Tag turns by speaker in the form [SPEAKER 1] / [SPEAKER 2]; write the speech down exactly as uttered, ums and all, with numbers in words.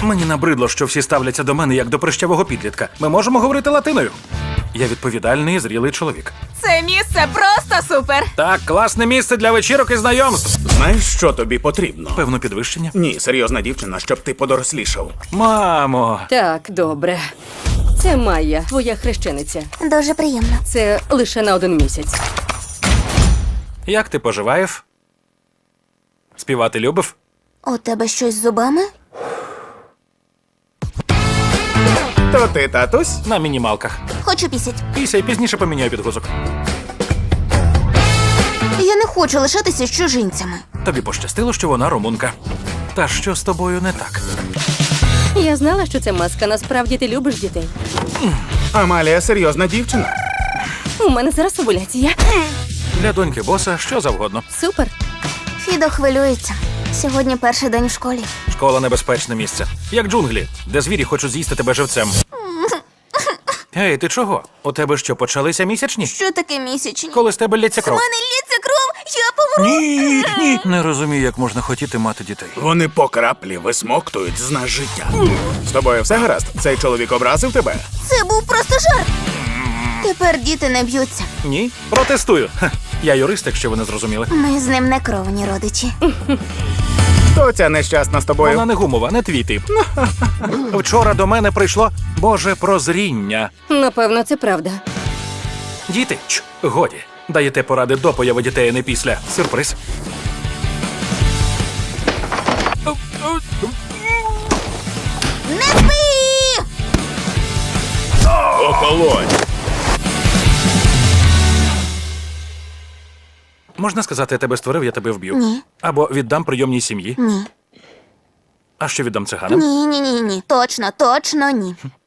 [SPEAKER 1] Мені набридло, що всі ставляться до мене як до прищавого підлітка. Ми можемо говорити латиною. Я відповідальний і зрілий чоловік.
[SPEAKER 2] Це місце просто супер.
[SPEAKER 1] Так, класне місце для вечірок і знайомств.
[SPEAKER 3] Знаєш, що тобі потрібно?
[SPEAKER 1] Певно, підвищення.
[SPEAKER 3] Ні, серйозна дівчина, щоб ти подорослішав.
[SPEAKER 1] Мамо,
[SPEAKER 4] Так, добре. Це Майя, твоя хрещениця.
[SPEAKER 5] Дуже приємно.
[SPEAKER 4] Це лише на один місяць.
[SPEAKER 1] як ти поживаєш? Співати любив?
[SPEAKER 5] У тебе щось з зубами?
[SPEAKER 3] То ти, татусь?
[SPEAKER 1] На мінімалках.
[SPEAKER 5] Хочу пісять.
[SPEAKER 1] Після і пізніше поміняю підгузок.
[SPEAKER 5] Я не хочу лишатися з чужинцями.
[SPEAKER 1] Тобі пощастило, що вона румунка. Та що з тобою не так?
[SPEAKER 4] Я знала, що це маска. Насправді ти любиш дітей.
[SPEAKER 3] Амалія серйозна дівчина.
[SPEAKER 4] У мене зараз овуляція.
[SPEAKER 1] Для доньки боса що завгодно.
[SPEAKER 4] Супер.
[SPEAKER 5] Фідо хвилюється. Сьогодні перший день в школі.
[SPEAKER 1] Школа — небезпечне місце. Як джунглі, де звірі хочуть з'їсти тебе живцем. Ей, ти чого? У тебе що, почалися місячні?
[SPEAKER 5] Що таке місячні?
[SPEAKER 1] Коли з тебе лється
[SPEAKER 5] У
[SPEAKER 1] кров?
[SPEAKER 5] мене лється кров, я помру.
[SPEAKER 3] Ні, ні.
[SPEAKER 1] Не розумію, як можна хотіти мати дітей.
[SPEAKER 3] Вони по краплі висмоктують з нас життя. З тобою все гаразд? Цей чоловік образив тебе?
[SPEAKER 5] Це був просто жарт. Тепер діти не б'ються.
[SPEAKER 1] Ні? Протестую. Ха, я юрист, якщо ви не зрозуміли.
[SPEAKER 5] Ми з ним не кровні родичі.
[SPEAKER 3] Хто ця нещасна з тобою?
[SPEAKER 1] Вона не гумова, не твій тип. Вчора до мене прийшло Боже прозріння.
[SPEAKER 4] Напевно, це правда.
[SPEAKER 1] Діти, ч, годі. Даєте поради до появи дітей, а не після. Сюрприз.
[SPEAKER 5] Не спи!
[SPEAKER 3] Охолонь!
[SPEAKER 1] Можна сказати, я тебе створив, я тебе вб'ю.
[SPEAKER 5] Ні.
[SPEAKER 1] Або віддам прийомній сім'ї.
[SPEAKER 5] Ні.
[SPEAKER 1] А що віддам циганам?
[SPEAKER 5] Ні, ні, ні, ні. Точно, точно ні.